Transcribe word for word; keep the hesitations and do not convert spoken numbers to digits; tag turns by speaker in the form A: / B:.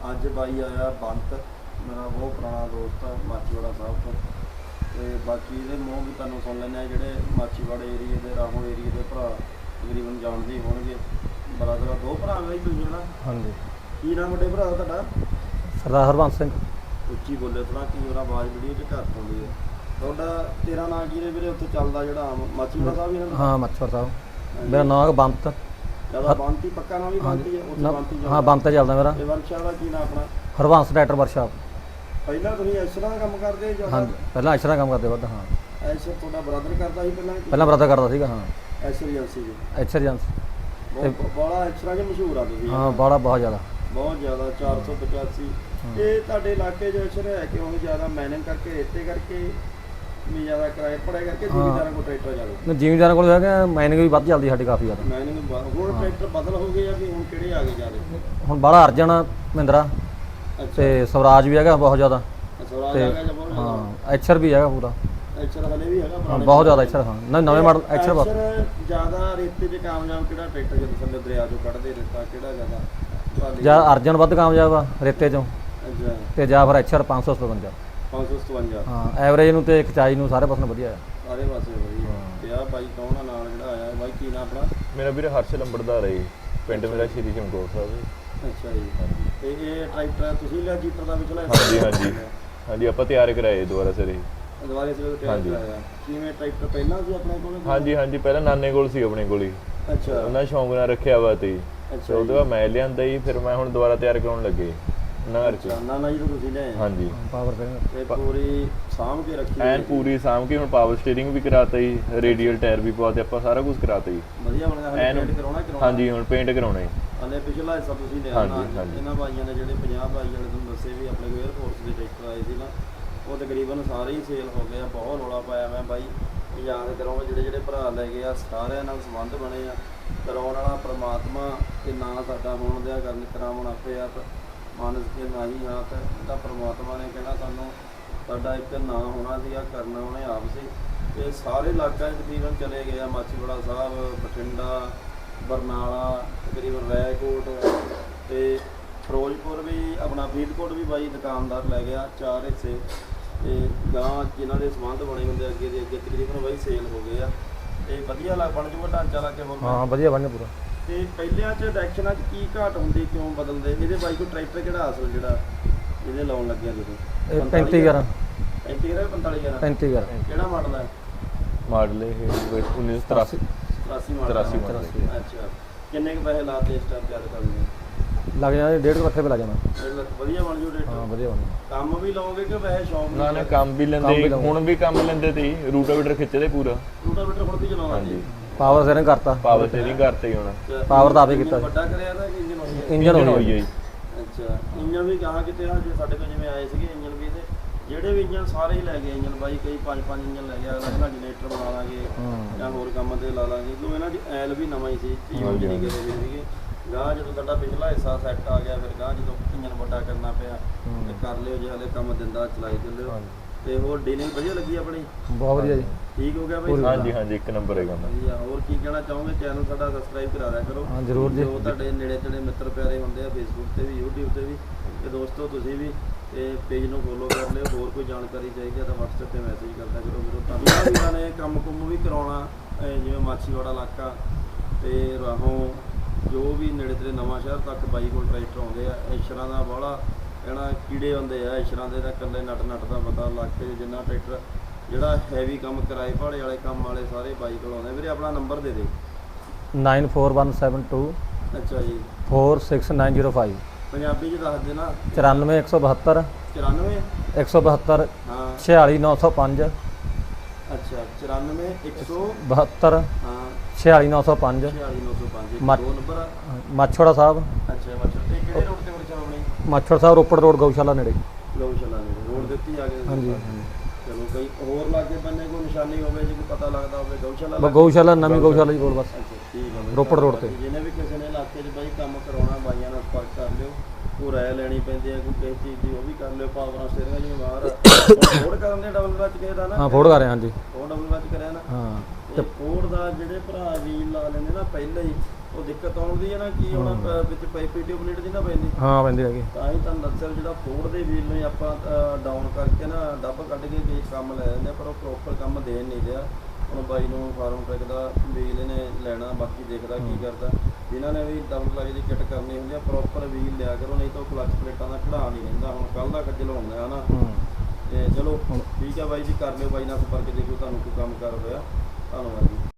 A: ਅੱਜ ਬਾਈ ਆਇਆ ਬੰਤ, ਮੇਰਾ ਬਹੁਤ ਪੁਰਾਣਾ ਦੋਸਤ ਆ ਮਾਚੀਵਾੜਾ ਸਾਹਿਬ ਤੋਂ। ਤੇ ਬਾਕੀ ਇਹਦੇ ਮੂੰਹ ਵੀ ਤੁਹਾਨੂੰ ਸੁਣ ਲੈਂਦੇ ਆ, ਜਿਹੜੇ ਮਾਚੀਵਾੜੇ ਏਰੀਏ ਦੇ ਰਾਹੋਂ ਏਰੀਏ ਦੇ ਭਰਾ ਤਕਰੀਬਨ ਜਾਣਦੇ ਹੀ ਹੋਣਗੇ। ਬਰਾਦਰ ਦੋ ਭਰਾ ਬਾਈ ਤੁਸੀਂ ਹੈ ਨਾ?
B: ਹਾਂਜੀ।
A: ਕੀ ਨਾਮ ਵੱਡੇ ਭਰਾ ਦਾ ਤੁਹਾਡਾ?
B: ਸਰਦਾਰ ਹਰਬੰਸ ਸਿੰਘ।
A: ਉੱਚੀ ਬੋਲੇ ਥੋੜਾ, ਕੀ ਉਹਦਾ ਆਵਾਜ਼ ਵੀਡੀਓ 'ਚ ਘੱਟ ਆਉਂਦੀ ਹੈ। ਤੁਹਾਡਾ ਤੇਰਾ ਨਾਂ ਕੀ ਨੇ ਵੀਰੇ ਉੱਥੇ ਚੱਲਦਾ ਜਿਹੜਾ ਮਾਚੀਵਾੜਾ ਸਾਹਿਬ ਹੀ?
B: ਹਾਂ ਮਾਚੀਵਾੜਾ ਸਾਹਿਬ। ਮੇਰਾ ਨਾਮ ਹੈ ਬੰਤ।
A: ਜਿਆਦਾ ਬੰਤੀ ਪੱਕਾ ਨਾਮ ਵੀ ਬੰਤੀ ਹੈ ਉੱਥੇ? ਬੰਤੀ
B: ਹਾਂ ਬੰਤ ਚੱਲਦਾ ਮੇਰਾ।
A: ਤੇ ਵਰਕਸ਼ਾਪ ਦਾ ਕੀ ਨਾਮ ਆਪਣਾ?
B: Harbans tractor workshop.
A: ਪਹਿਲਾਂ ਤੁਸੀਂ ਐਸ਼ਰਾਂ ਦਾ ਕੰਮ ਕਰਦੇ ਜਾਂ?
B: ਹਾਂ ਪਹਿਲਾਂ ਐਸ਼ਰਾਂ ਕੰਮ ਕਰਦੇ ਵੱਧ। ਹਾਂ
A: ਐਸ਼ਰ ਤੁਹਾਡਾ ਬ੍ਰਦਰ ਕਰਦਾ ਸੀ ਪਹਿਲਾਂ?
B: ਪਹਿਲਾਂ ਬ੍ਰਦਰ ਕਰਦਾ ਸੀਗਾ। ਹਾਂ
A: ਐਸ਼ਰ ਏਜੰਸੀ ਜੀ।
B: ਐਸ਼ਰ ਏਜੰਸੀ
A: ਬਹੁਤ ਬੜਾ ਐਸ਼ਰਾਂ 'ਚ ਮਸ਼ਹੂਰ ਆ ਤੁਸੀਂ?
B: ਹਾਂ ਬੜਾ ਬਹੁਤ ਜ਼ਿਆਦਾ
A: ਬਹੁਤ ਜ਼ਿਆਦਾ। ਚਾਰ ਸੌ ਪਚਾਸੀ। ਇਹ ਤੁਹਾਡੇ ਇਲਾਕੇ 'ਚ ਐਸ਼ਰ ਹੈ ਕਿਉਂ ਜ਼ਿਆਦਾ? ਮਾਈਨਿੰਗ ਕਰਕੇ, ਰੇਤੇ ਕਰਕੇ ਵੀ ਜ਼ਿਆਦਾ ਕਿਰਾਏ ਪੜਿਆ ਕਰਕੇ? ਜ਼ਿਮੀਦਾਰਾਂ ਕੋਲ ਟਰੈਕਟਰ ਜ਼ਿਆਦਾ?
B: ਜ਼ਿਮੀਦਾਰਾਂ ਕੋਲ ਹੈਗਾ। ਮਾਈਨਿੰਗ ਵੀ ਵੱਧ ਚੱਲਦੀ ਸਾਡੀ ਕਾਫੀ ਜ਼ਿਆਦਾ।
A: ਮਾਈਨਿੰਗ ਹੁਣ ਟਰੈਕਟਰ ਬਦਲ ਹੋ ਗਏ ਆ ਵੀ ਹੁਣ ਕਿਹੜੇ ਆ ਗਏ ਜ਼ਿਆਦਾ?
B: ਹੁਣ ਬੜਾ ਅਰਜਨ ਮਹਿੰਦਰਾ ਤੇ ਸਵਰਾਜ ਵੀ ਹੈਗਾ ਬਹੁਤ ਜ਼ਿਆਦਾ।
A: ਸਵਰਾਜ ਆ ਗਿਆ ਜਾਂ ਬਹੁਤ ਜ਼ਿਆਦਾ?
B: ਹਾਂ ਐਚਰ ਵੀ ਹੈਗਾ ਪੂਰਾ।
A: ਐਚਰ ਹਲੇ ਵੀ ਹੈਗਾ
B: ਹਾਂ ਬਹੁਤ ਜ਼ਿਆਦਾ ਐਚਰ। ਹਾਂ ਨਵੇਂ ਮਾਡਲ ਐਚਰ ਬਹੁਤ
A: ਜ਼ਿਆਦਾ। ਰੇਤੇ 'ਚ ਕਾਮਯਾਬ ਕਿਹੜਾ ਟਰੈਕਟਰ ਜਦੋਂ ਥੱਲੇ ਦਰਿਆ 'ਚੋਂ ਕੱਢਦੇ ਰੇਤਾ ਕਿਹੜਾ ਜ਼ਿਆਦਾ?
B: ਜਾਂ ਅਰਜਨ ਵੱਧ ਕਾਮਯਾਬ ਆ ਰੇਤੇ 'ਚੋਂ।
A: ਅੱਛਾ।
B: ਤੇ ਜਾਂ ਫਿਰ ਐਚਰ ਪੰਜ ਸੌ ਸਤਵੰਜਾ।
A: ਪੰਜ ਸੌ ਸਤਵੰਜਾ।
B: ਹਾਂ ਐਵਰੇਜ ਨੂੰ ਤੇ ਖਿਚਾਈ ਨੂੰ ਸਾਰੇ ਪਾਸੇ ਵਧੀਆ ਆ।
A: ਸਾਰੇ ਪਾਸੇ ਵਧੀਆ। ਤੇ ਆ ਬਾਈ ਕੌਣ ਆ ਨਾਲ ਜਿਹੜਾ ਆਇਆ? ਬਾਈ ਕੀ ਨਾਮ ਆਪਣਾ?
C: ਮੇਰਾ ਵੀਰ ਹਰਸ਼ ਲੰਬੜਦਾਰ ਹੈ ਜੀ। ਪਿੰਡ ਮੇਰਾ ਸ਼੍ਰੀ ਚਮਕੌਰ ਸਾਹਿਬ ਜੀ।
A: ਅੱਛਾ ਜੀ। ਤੇ ਇਹ ਟਰੈਕਟਰ ਤੁਸੀਂ ਲਿਆ ਜੀਟਰ ਦਾ ਵਿਚਲਾ?
C: ਹਾਂਜੀ ਹਾਂਜੀ ਹਾਂਜੀ ਆਪਾਂ ਤਿਆਰ ਕਰਾਏ ਦੁਬਾਰਾ ਸਿਰੇ।
A: ਦੁਬਾਰਾ ਸਿਰੇ ਤਿਆਰ ਕਰਾਇਆ। ਕਿਵੇਂ ਟਰੈਕਟਰ ਪਹਿਲਾਂ ਸੀ ਆਪਣੇ ਕੋਲ?
C: ਹਾਂਜੀ ਹਾਂਜੀ ਪਹਿਲਾਂ ਨਾਨੇ ਕੋਲ ਸੀ ਆਪਣੇ ਕੋਲ ਹੀ।
A: ਅੱਛਾ।
C: ਉਹਨਾਂ ਸ਼ੌਂਕ ਨਾਲ ਰੱਖਿਆ ਵਾ ਤੇ
A: ਅੱਛਾ।
C: ਉਹਦੇ ਬਾਅਦ ਮੈਂ ਲਿਆਂਦਾ ਜੀ। ਫਿਰ ਮੈਂ ਹੁਣ ਦੁਬਾਰਾ ਤਿਆਰ ਕਰਾਉਣ ਲੱਗੇ ਨਗਰ ਚ।
A: ਨਾ ਨਾ ਜੀ ਤੁਸੀਂ ਲਿਆਏ?
C: ਹਾਂਜੀ।
B: ਪਾਵਰ
A: ਤੇ ਪੂਰੀ ਸਾਂਭ ਕੇ ਰੱਖੀ
C: ਐਨ ਪੂਰੀ ਸਾਂਭ ਕੇ। ਹੁਣ ਪਾਵਰ ਸਟੀਅਰਿੰਗ ਵੀ ਕਰਾਤਾ ਜੀ, ਰੇਡੀਅਲ ਟਾਇਰ ਵੀ ਪਵਾਤੇ ਆਪਾਂ, ਸਾਰਾ ਕੁਝ ਕਰਾਤਾ ਜੀ।
A: ਵਧੀਆ ਬਣ ਗਿਆ। ਹਲੇ ਪੇਂਟ ਕਰਾਉਣਾ ਕਰਾਉਣਾ?
C: ਹਾਂਜੀ ਹੁਣ ਪੇਂਟ ਕਰਾਉਣਾ ਜੀ।
A: ਹਲੇ ਪਿਛਲਾ ਹਿੱਸਾ ਤੁਸੀਂ ਲਿਆ ਨਾ? ਇਹਨਾਂ ਭਾਈਆਂ ਨੇ ਜਿਹੜੇ ਪੰਜਾਹ ਭਾਈ ਵਾਲੇ ਤੁਹਾਨੂੰ ਦੱਸੇ ਵੀ ਆਪਣੇ ਕੋਲ 에ਅਰਫੋਰਸ ਦੇ ਟਰੈਕਟਰ ਆਏ ਸੀ ਨਾ, ਉਹ ਤਕਰੀਬਨ ਸਾਰੇ ਹੀ ਸੇਲ ਹੋ ਗਏ ਆ। ਬਹੁਤ ਰੌਲਾ ਪਾਇਆ ਮੈਂ ਬਾਈ। ਯਾਦ ਕਰਾਂਗਾ ਜਿਹੜੇ ਜਿਹੜੇ ਭਰਾ ਲੈ ਗਏ ਆ ਸਾਰਿਆਂ ਨਾਲ ਸੰਬੰਧ ਬਣੇ ਆ। ਕਰਾਉਣ ਵਾਲਾ ਪਰਮਾਤਮਾ ਤੇ ਨਾ ਸਾਡਾ ਹੋਣ ਦਿਆ ਗੱਲ ਕਰਾਉਣ ਆਪੇ ਆਪ ਮਾਨਸ ਕੇ ਨਾ ਹੀ ਹਾਥ। ਤਾਂ ਪਰਮਾਤਮਾ ਨੇ ਕਹਿਣਾ ਸਾਨੂੰ ਸਾਡਾ ਇੱਕ ਨਾਂ ਹੋਣਾ ਸੀਗਾ, ਕਰਨਾ ਉਹਨੇ ਆਪ ਸੀ। ਤੇ ਸਾਰੇ ਇਲਾਕਿਆਂ 'ਚ ਤਕਰੀਬਨ ਚਲੇ ਗਏ ਆ। ਮਾਚੀਵਾੜਾ ਸਾਹਿਬ, ਬਠਿੰਡਾ, ਬਰਨਾਲਾ, ਤਕਰੀਬਨ ਰੈਕੋਟ ਤੇ ਫਿਰੋਜ਼ਪੁਰ ਵੀ, ਆਪਣਾ ਫਰੀਦਕੋਟ ਵੀ ਬਾਈ ਦੁਕਾਨਦਾਰ ਲੈ ਗਿਆ। ਚਾਰ ਹਿੱਸੇ ਤੇ ਗਾਂ ਜਿਨ੍ਹਾਂ ਦੇ ਸੰਬੰਧ ਬਣੇ ਹੁੰਦੇ ਅੱਗੇ ਦੇ ਅੱਗੇ ਤਕਰੀਬਨ ਬਾਈ ਸੇਲ ਹੋ ਗਏ ਆ। ਤੇ ਵਧੀਆ ਲੱਗ ਬਣ ਜੂਗਾ ਢਾਂਚਾ ਲਾ ਕੇ ਹੋਰ?
B: ਹਾਂ ਵਧੀਆ ਬਣ ਪੂਰਾ।
A: ਤੇ ਪਹਿਲਿਆਂ 'ਚ ਡਾਇਰੈਕਸ਼ਨਾਂ 'ਚ ਕੀ ਘਾਟ ਹੁੰਦੀ, ਕਿਉਂ ਬਦਲਦੇ? ਇਹਦੇ ਬਾਈ ਕੋਈ ਟਰੈਕਟਰ ਕਿਹੜਾ ਅਸਲ ਜਿਹੜਾ ਇਹਦੇ ਲਾਉਣ ਲੱਗਿਆ ਤੁਸੀਂ?
B: ਇਹ ਪੈਂਤੀ ਗਿਆਰਾਂ।
A: ਪੈਂਤੀ ਗਿਆਰਾਂ ਪੰਤਾਲੀ ਗਿਆਰਾਂ?
B: ਪੈਂਤੀ ਗਿਆਰਾਂ।
A: ਕਿਹੜਾ ਮਾਡਲ ਹੈ?
C: ਮਾਡਲ ਇਹ ਉੱਨੀ ਸੌ ਤਰਾਸੀ।
A: ਤਰਾਸੀ ਮਾਡਲ।
C: ਤਰਾਸੀ ਮਾਡਲ।
A: ਅੱਛਾ। ਕਿੰਨੇ ਕੁ ਪੈਸੇ ਲਾਤੇ ਇਸ ਟਾਈਮ ਤਿਆਰ ਕਰਨ
B: ਲੱਗ ਜਾਣਾ ਡੇਢ ਲੱਖ ਰੁਪਏ ਲੱਗ ਜਾਣਾ।
A: ਵਧੀਆ ਬਣ ਜੂ ਟਰੈਕਟਰ?
B: ਹਾਂ ਵਧੀਆ ਬਣ
A: ਕੰਮ ਵੀ ਲਾਓਗੇ ਕਿ ਵੈਸੇ ਸ਼ੌਂਕ?
C: ਨਾ ਨਾ ਕੰਮ ਵੀ ਲੈਂਦੇ, ਹੁਣ ਵੀ ਕੰਮ ਲੈਂਦੇ ਤੇ ਰੂਟਾਵੀਟਰ ਖਿੱਚਦੇ ਪੂਰਾ।
A: ਰੂਟਾਵੀਟਰ ਹੁਣ ਵੀ ਚਲਾਉਂਦਾ?
C: ਹਾਂਜੀ।
B: ਪਾਵਰ ਸਟੀਅਰਿੰਗ ਕਰਤਾ।
C: ਪਾਵਰ ਸਟੀਅਰਿੰਗ ਕਰਤੇ ਹੁਣ।
B: ਪਾਵਰ ਦਾ ਆਪੇ ਕੀਤਾ।
A: ਵੱਡਾ ਕਰਿਆ ਤਾਂ ਕਿ ਇੰਜਨ ਹੋਈ?
B: ਇੰਜਨ ਹੋਈ ਹੈ ਜੀ।
A: ਅੱਛਾ। ਇੰਜਨ ਵੀ ਕਹਾਂ ਕਿਤੇ ਆ ਜੇ ਸਾਡੇ ਕੋਲ ਜਿਵੇਂ ਆਏ ਸੀਗੇ ਇੰਜਨ ਵੀ, ਤੇ ਜਿਹੜੇ ਵੀ ਇੰਜਨ ਸਾਰੇ ਹੀ ਲੈ ਗਏ ਇੰਜਨ ਬਾਈ। ਕਈ ਪੰਜ ਪੰਜ ਇੰਜਨ ਲੈ ਗਿਆ। ਅਗਲਾ ਜਨਰੇਟਰ ਬਣਾ ਲਾਂਗੇ ਜਾਂ ਹੋਰ ਕੰਮ ਤੇ ਲਾ ਲਾਂਗੇ। ਕਿਉਂ ਇਹਨਾਂ ਦੀ ਐਲ ਵੀ ਨਵਾਂ ਹੀ ਸੀ, ਯੂਜ਼ ਨਹੀਂ ਕਰੇ ਵੀ ਸੀਗੇ। ਗਾਂ ਜਦੋਂ ਸਾਡਾ ਪਿਛਲਾ ਹਿੱਸਾ ਸੈੱਟ ਆ ਗਿਆ, ਫਿਰ ਗਾਂ ਜਦੋਂ ਇੰਜਨ ਵੱਡਾ ਕਰਨਾ ਪਿਆ ਤੇ ਕਰ ਲਿਓ। ਜੇ ਹਲੇ ਕੰਮ ਦਿੰਦਾ ਚਲਾਈ ਚੱਲਿਓ। ਤੇ ਹੋਰ ਡੀਲਿੰਗ ਵਧੀਆ ਲੱਗੀ ਆਪਣੀ?
B: ਬਹੁਤ ਵਧੀਆ ਜੀ।
A: ਠੀਕ ਹੋ ਗਿਆ ਬਾਈ?
C: ਹਾਂਜੀ ਹਾਂਜੀ ਇੱਕ ਨੰਬਰ ਹੈਗਾ।
A: ਵਧੀਆ। ਹੋਰ ਕੀ ਕਹਿਣਾ ਚਾਹੋਗੇ? ਚੈਨਲ ਸਾਡਾ ਸਬਸਕ੍ਰਾਈਬ ਕਰਾ ਦਿਆ ਕਰੋ।
B: ਹਾਂ ਜ਼ਰੂਰ ਜੀ।
A: ਜੋ ਤੁਹਾਡੇ ਨੇੜੇ ਤੇੜੇ ਮਿੱਤਰ ਪਿਆਰੇ ਹੁੰਦੇ ਆ ਫੇਸਬੁੱਕ ਤੇ ਵੀ, YouTube ਤੇ ਵੀ। ਤੇ ਦੋਸਤੋ ਤੁਸੀਂ ਵੀ ਤੇ ਪੇਜ ਨੂੰ ਫੋਲੋ ਕਰ ਲਿਓ। ਹੋਰ ਕੋਈ ਜਾਣਕਾਰੀ ਚਾਹੀਦੀ ਹੈ ਤਾਂ WhatsApp ਤੇ ਮੈਸੇਜ ਕਰਦਾ ਕਰੋ। ਵੀਰੋ ਤੁਹਾਨੂੰ ਵੀਰਾਂ ਨੇ ਕੰਮ ਕੁੰਮ ਵੀ ਕਰਾਉਣਾ, ਜਿਵੇਂ ਮਾਚੀਵਾੜਾ ਇਲਾਕਾ ਤੇ ਰਾਹੋਂ ਜੋ ਵੀ ਨੇੜੇ ਤੇੜੇ ਨਵਾਂ ਸ਼ਹਿਰ ਤੱਕ ਬਾਈ ਕੋਲ ਟਰੈਕਟਰ ਆਉਂਦੇ ਆ। ਐਸ਼ਰਾਂ ਦਾ ਬਾਹਲਾ ਕਹਿਣਾ ਕੀੜੇ ਹੁੰਦੇ ਆ ਐਸ਼ਰਾਂ ਦੇ, ਤਾਂ ਇਕੱਲੇ ਨਟ ਨਟ ਦਾ ਪਤਾ ਲੱਗ ਕੇ ਜਿੰਨਾ ਟਰੈਕਟਰ ਜਿਹੜਾ ਹੈਵੀ ਕੰਮ ਕਿਰਾਏ ਭਾੜੇ ਵਾਲੇ ਕੰਮ ਵਾਲੇ ਸਾਰੇ ਬਾਈ ਕੋਲ ਆਉਂਦੇ। ਵੀਰੇ ਆਪਣਾ ਨੰਬਰ ਦੇ ਦੇ।
B: Nine four one seven two
A: ਅੱਛਾ ਜੀ।
B: Four six nine zero five.
A: Punjabi 'ਚ ਦੱਸ ਦੇਣਾ।
B: ਚੁਰਾਨਵੇਂ ਇੱਕ ਸੌ ਬਹੱਤਰ
A: ਚੁਰਾਨਵੇਂ
B: ਇੱਕ ਸੌ ਬਹੱਤਰ
A: ਹਾਂ।
B: ਛਿਆਲੀ ਨੌ ਸੌ ਪੰਜ।
A: ਅੱਛਾ। ਚੁਰਾਨਵੇਂ ਇੱਕ ਸੌ
B: ਬਹੱਤਰ
A: ਹਾਂ
B: ਛਿਆਲੀ ਨੌ ਸੌ ਪੰਜ।
A: ਛਿਆਲੀ ਨੌ ਸੌ ਪੰਜ।
B: ਮਾ-
A: ਦੋ ਨੰਬਰ ਆ?
B: ਮਾਛੋੜਾ ਸਾਹਿਬ।
A: ਅੱਛਾ। ਮੱਛਰ ਤੇ ਕਿਹੜੇ ਰੋਡ ਤੇ ਵਰਕਸ਼ਾਪ ਆਪਣੀ?
B: ਮਾਛੋੜਾ ਸਾਹਿਬ ਰੋਪੜ ਰੋਡ ਗਊਸ਼ਾਲਾ ਨੇੜੇ।
A: ਗਊਸ਼ਾਲਾ ਨੇੜੇ ਰੋਡ ਦੇ ਉੱਤੇ ਆ ਗਏ?
B: ਹਾਂਜੀ।
A: ਚਲੋ ਕਈ ਹੋਰ ਲਾਗੇ ਬੰਨੇ ਕੋਈ ਨਿਸ਼ਾਨੀ ਹੋਵੇ, ਜੇ ਕੋਈ ਪਤਾ ਲੱਗਦਾ ਹੋਵੇ ਗਊਸ਼ਾਲਾ?
B: ਬਸ ਗਊਸ਼ਾਲਾ ਨਵੀਂ ਗਊਸ਼ਾਲਾ ਜੀ ਕੋਲ ਬਸ।
A: ਅੱਛਾ ਠੀਕ ਹੈ।
B: ਰੋਪੜ ਰੋਡ ਤੇ।
A: ਜਿਹਨੇ ਵੀ ਕਿਸੇ ਨੇ ਇਲਾਕੇ 'ਚ ਬਾਈ ਕੰਮ ਕਰਾਉਣਾ ਬਾਈਆਂ ਨਾਲ ਸੰਪਰਕ ਕਰ ਲਿਓ। ਕੋਈ ਰਾਇ ਲੈਣੀ ਪੈਂਦੀ ਹੈ ਕੋਈ ਕਿਸੇ ਚੀਜ਼ ਦੀ, ਉਹ ਵੀ ਕਰ ਲਿਓ। ਪਾਵਰਾਂ ਸਟੀਅਰਿੰਗ ਜਿਵੇਂ ਬਾਹਰ ਫੋੜ ਕਰਨ ਦੇ ਡਬਲ ਕਲਚ ਕਿਸੇ ਦਾ ਨਾ,
B: ਹਾਂ ਫੋੜ ਕਰ ਰਿਹਾ ਹਾਂਜੀ।
A: ਉਹ ਡਬਲ ਕਲਚ ਕਰਿਆ ਨਾ,
B: ਹਾਂ
A: ਤੇ ਫੋੜ ਦਾ ਜਿਹੜੇ ਭਰਾ ਵੀਲ ਲਾ ਲੈਂਦੇ ਨਾ ਪਹਿਲਾਂ ਹੀ, ਉਹ ਦਿੱਕਤ ਆਉਂਦੀ ਹੈ ਨਾ ਕੀ ਹੁਣ ਪ- ਵਿੱਚ ਪਾਈਪੀ ਟਿਊਬਲੇਟ ਦੀ ਨਾ ਪੈਂਦੀ,
B: ਹਾਂ ਪੈਂਦੀ ਹੈਗੀ।
A: ਤਾਂ ਹੀ ਤੁਹਾਨੂੰ ਦੱਸਿਆ ਜਿਹੜਾ ਫੋੜ ਦੇ ਵੀਲ ਨੂੰ ਆਪਾਂ ਡਾਊਨ ਕਰਕੇ ਨਾ ਡੱਬ ਕੱਢ ਕੇ ਕਈ ਕੰਮ ਲੈ ਲੈਂਦੇ ਆ, ਪਰ ਉਹ ਪ੍ਰੋਪਰ ਕੰਮ ਦੇਣ ਨਹੀਂ ਰਿਹਾ। ਹੁਣ ਬਾਈ ਨੂੰ ਫਾਰਮ ਟਰੈਕ ਦਾ ਵੀਲ ਇਹਨੇ ਲੈਣਾ, ਬਾਕੀ ਦੇਖਦਾ ਕੀ ਕਰਦਾ। ਜਿਨ੍ਹਾਂ ਨੇ ਵੀ ਡਬਲ ਕਲਚ ਦੀ ਕਿੱਟ ਕਰਨੀ ਹੁੰਦੀ ਆ ਪ੍ਰੋਪਰ ਵੀਲ ਲਿਆ ਕਰੋ, ਨਹੀਂ ਤਾਂ ਉਹ ਕਲਚ ਪਲੇਟਾਂ ਦਾ ਖੜਾ ਨਹੀਂ ਰਹਿੰਦਾ। ਹੁਣ ਕੱਲ ਦਾ ਖੱਜਲ ਹੋਣਾ ਹਨਾ। ਤੇ ਚਲੋ ਠੀਕ ਆ ਬਾਈ ਜੀ, ਕਰ ਲਿਓ ਬਾਈ ਨਾਲ ਸੰਪਰਕ, ਦੇਖੋ ਤੁਹਾਨੂੰ ਕੋਈ ਕੰਮ ਕਰ ਹੋਇਆ। ਧੰਨਵਾਦ ਜੀ।